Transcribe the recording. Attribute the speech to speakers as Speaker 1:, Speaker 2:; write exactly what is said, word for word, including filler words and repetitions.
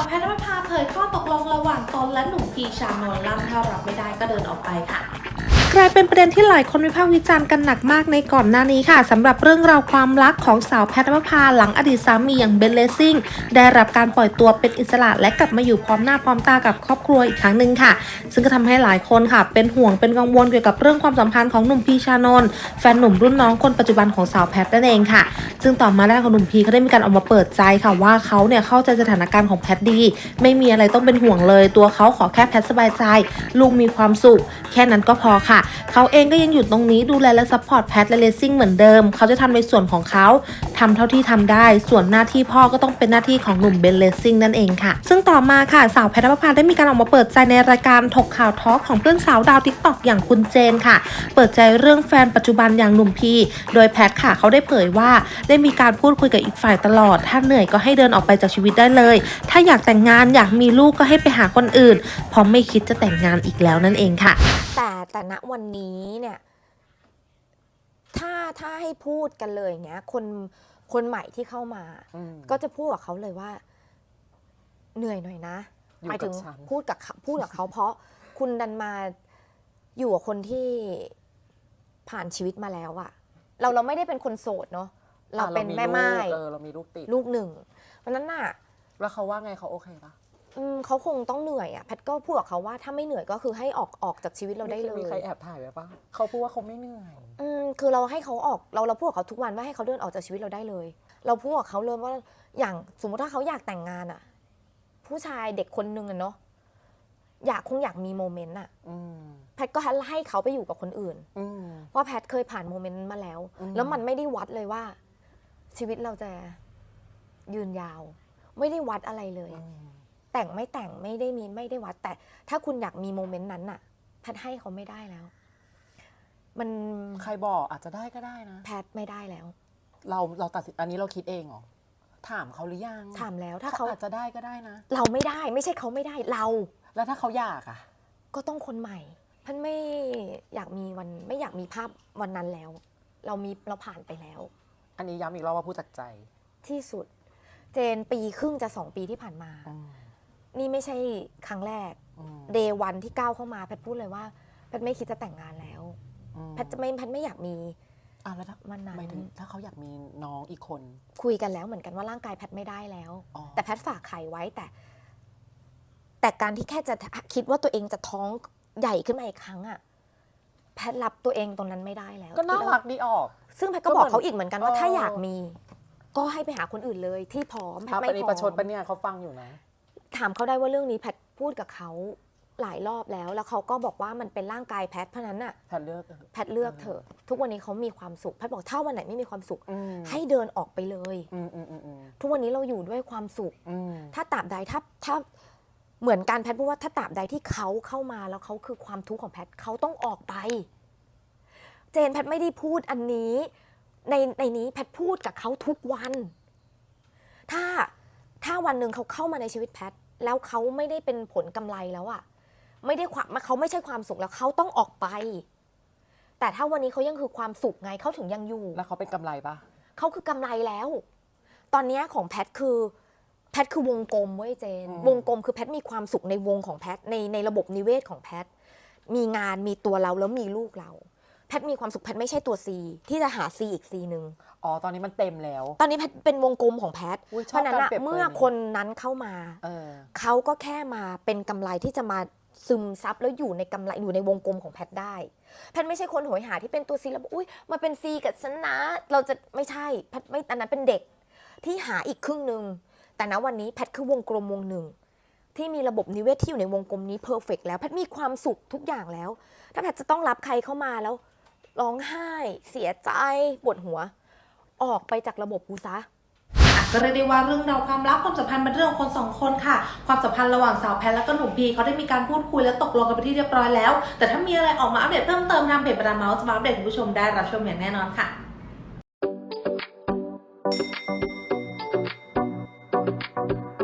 Speaker 1: แพทย์ณภาเผยข้อตกลงระหว่างตนและหนุ่มพีชานนท์ลั่นถ้ารับไม่ได้ก็เดินออกไปค่ะกลายเป็นประเด็นที่หลายคนวิพากษ์วิจารณ์กันหนักมากในก่อนหน้านี้ค่ะสำหรับเรื่องราวความรักของสาวแพทย์ณภาหลังอดีตสามีอย่างเบนเลสซิ่งได้รับการปล่อยตัวเป็นอิสระและกลับมาอยู่พร้อมหน้าพร้อมตากับครอบครัวอีกครั้งหนึ่งค่ะซึ่งก็ทำให้หลายคนค่ะเป็นห่วงเป็นกังวลเกี่ยวกับเรื่องความสัมพันธ์ของหนุ่มพีชานนท์แฟนหนุ่มรุ่นน้องคนปัจจุบันของสาวแพทย์นั่นเองค่ะซึ่งต่อมาด้านของหนุ่มพีเขาได้มีการออกมาเปิดใจค่ะว่าเขาเนี่ยเข้าใจสถานการณ์ของแพทย์ดีไม่มีอะไรต้องเป็นห่วงเลยตัวเขาขอแค่แพทย์สบายใจลูกมีความสุขแค่นั้นก็พอค่ะเขาเองก็ยังอยู่ตรงนี้ดูแลและซัพพอร์ตแพทและเลสซิ่งเหมือนเดิมเขาจะทำในส่วนของเขาทำเท่าที่ทำได้ส่วนหน้าที่พ่อก็ต้องเป็นหน้าที่ของหนุ่มเบนเลสซิ่งนั่นเองค่ะซึ่งต่อมาค่ะสาวแพทณภาได้มีการออกมาเปิดใจในรายการถกข่าวทอล์กของเพื่อนสาวดาวทิกตอกอย่างคุณเจนค่ะเปิดใจเรื่องแฟนปัจจุบันอย่างหนุ่มพีโดยแพทค่ะเขาได้เผยว่าได้มีการพูดคุยกับอีกฝ่ายตลอดถ้าเหนื่อยก็ให้เดินออกไปจากชีวิตได้เลยถ้าอยากแต่งงานอยากมีลูกก็ให้ไปหาคนอื่นเพราะไม่คิดจะแต่งงานอีกแล้วนั่นเองค่ะ
Speaker 2: แต่แต่ณวันนี้เนี่ยถ้าถ้าให้พูดกันเลยเงี้ยคนคนใหม่ที่เข้ามาก็จะพูดกับเขาเลยว่าเหนื่อยหน่อยนะหมายถึงพูดกับพูดกับเขาเพราะคุณดันมาอยู่กับคนที่ผ่านชีวิตมาแล้วอะเราเราไม่ได้เป็นคนโสดเนาะเราเป็นแม่ไม้
Speaker 3: เรามีลูกติด
Speaker 2: ลูกหนึ่งเพราะนั้นน่ะ
Speaker 3: แล้วเขาว่าไงเขาโอเคปะ
Speaker 2: เขาคงต้องเหนื่อยอ่ะแพทก็พูดกับเขาว่าถ้าไม่เหนื่อยก็คือให้ออกออกจากชีวิตเราได้เลย
Speaker 3: มีใครแอบถ่ายไว้ปะเขาพูดว่าเขาไม่เหนื่อย
Speaker 2: อืมคือเราให้เขาออกเราเราพูดกับเขาทุกวันว่าให้เขาเดินออกจากชีวิตเราได้เลยเราพูดกับเขาเลยว่าอย่างสมมติถ้าเขาอยากแต่งงานอ่ะผู้ชายเด็กคนนึงอะเนาะอยากคงอยากมีโมเมนต์อ่ะแพทก็ให้เขาไปอยู่กับคนอื่นเพราะแพทเคยผ่านโมเมนต์มาแล้วแล้วมันไม่ได้วัดเลยว่าชีวิตเราจะยืนยาวไม่ได้วัดอะไรเลยแต่งไม่แต่งไม่ได้มีไม่ได้วัดแต่ถ้าคุณอยากมีโมเมนต์นั้นน่ะแพทให้เขาไม่ได้แล้วมัน
Speaker 3: ใครบอกอาจจะได้ก็ได้นะ
Speaker 2: แพทไม่ได้แล้ว
Speaker 3: เราเราตัดสินอันนี้เราคิดเองเหรอถามเขาหรือยัง
Speaker 2: ถามแล้วถ้าเขา
Speaker 3: อาจจะได้ก็ได้นะ
Speaker 2: เราไม่ได้ไม่ใช่เขาไม่ได้เรา
Speaker 3: แล้วถ้าเขาอยากอ่ะ
Speaker 2: ก็ต้องคนใหม่แพทไม่อยากมีวันไม่อยากมีภาพวันนั้นแล้วเรามีเราผ่านไปแล้ว
Speaker 3: อันนี้ย้ำอีกรอบว่าพูดจากใจ
Speaker 2: ที่สุดเจนปีครึ่งจะสองปีที่ผ่านมานี่ไม่ใช่ครั้งแรกเดย์วันที่ก้าวเข้ามาแพทพูดเลยว่าแพทไม่คิดจะแต่งงานแล้วแพทจะไม่แพทไม่อยากมี
Speaker 3: อ่ะแล้วถ้า
Speaker 2: วันนั้น
Speaker 3: ถ้าเขาอยากมีน้องอีกคน
Speaker 2: คุยกันแล้วเหมือนกันว่าร่างกายแพทไม่ได้แล้วแต่แพทฝากไข่ไว้แต่แต่การที่แค่จะคิดว่าตัวเองจะท้องใหญ่ขึ้นมาอีกครั้งอะแพทรับตัวเองตรงนั้นไม่ได้แล้ว
Speaker 3: ก็น่ารักดีออก
Speaker 2: ซึ่งแพทก็บอกเขาอีกเหมือนกันว่าถ้าอยากมีก็ให้ไปหาคนอื่นเลยที่พร้อมแพทไม่พร้อม
Speaker 3: ประชดปะเนี่ยเขาฟังอยู่นะ
Speaker 2: ถามเขาได้ว่าเรื่องนี้แพทพูดกับเขาหลายรอบแล้วแล้วเขาก็บอกว่ามันเป็นร่างกายแพทเพราะนั้นน่ะ
Speaker 3: แพทเลือก
Speaker 2: แพทเลือกเถอะทุกวันนี้เขามีความสุขแพทบอกถ้าวันไหนไม่มีความสุขให้เดินออกไปเลยทุกวันนี้เราอยู่ด้วยความสุขถ้าตราบใดถ้าถ้าเหมือนการแพทพูดว่าถ้าตราบใดที่เขาเข้ามาแล้วเขาคือความทุกข์ของแพทเขาต้องออกไปเจนแพทไม่ได้พูดอันนี้ในในนี้แพทพูดกับเขาทุกวันถ้าถ้าวันหนึ่งเขาเข้ามาในชีวิตแพทแล้วเขาไม่ได้เป็นผลกำไรแล้วอะไม่ได้ความเขาไม่ใช่ความสุขแล้วเขาต้องออกไปแต่ถ้าวันนี้เขายังคือความสุขไงเขาถึงยังอยู่
Speaker 3: แล้วเขาเป็นกำไรปะ
Speaker 2: เขาคือกำไรแล้วตอนนี้ของแพทคือแพทคือวงกลมเว้ยเจนวงกลมคือแพทมีความสุขในวงของแพทในในระบบนิเวศของแพทมีงานมีตัวเราแล้วมีลูกเราแพทมีความสุขแพทไม่ใช่ตัว C ที่จะหา C อีก C นึง
Speaker 3: อ๋อตอนนี้มันเต็มแล้ว
Speaker 2: ตอนนี้แพทเป็นวงกลมของแพทเพราะนั้นเมื่อคนนั้นเข้ามาเขาก็แค่มาเป็นกำไรที่จะมาซึมซับแล้วอยู่ในกำไรอยู่ในวงกลมของแพทได้แพทไม่ใช่คนโหยหาที่เป็นตัว C แล้วอุ้ยมาเป็น C กับฉันนะเราจะไม่ใช่แพทไม่อันนั้นเป็นเด็กที่หาอีกครึ่งนึงแต่ณวันนี้แพทคือวงกลมวงหนึ่งที่มีระบบนิเวศที่อยู่ในวงกลมนี้เพอร์เฟกต์แล้วแพทมีความสุขทุกอย่างแล้วถ้าแพทจะต้องรับใครเข้ามาแล้วร้องไห้เสียใจปวดหัวออกไปจากระบบกูซะ
Speaker 1: ก็เรียกได้ว่าเรื่องราวความรักความสัมพันธ์เป็นเรื่องของคนสองคนค่ะความสัมพันธ์ระหว่างสาวแพทและก็หนุ่มพีเขาได้มีการพูดคุยและตกลงกันไปที่เรียบร้อยแล้วแต่ถ้ามีอะไรออกมาอัปเดตเพิ่มเติมทางเพจบรรดาเมาส์จะมาอัปเดตคุณผู้ชมได้รับชมอย่างแน่นอนค่ะ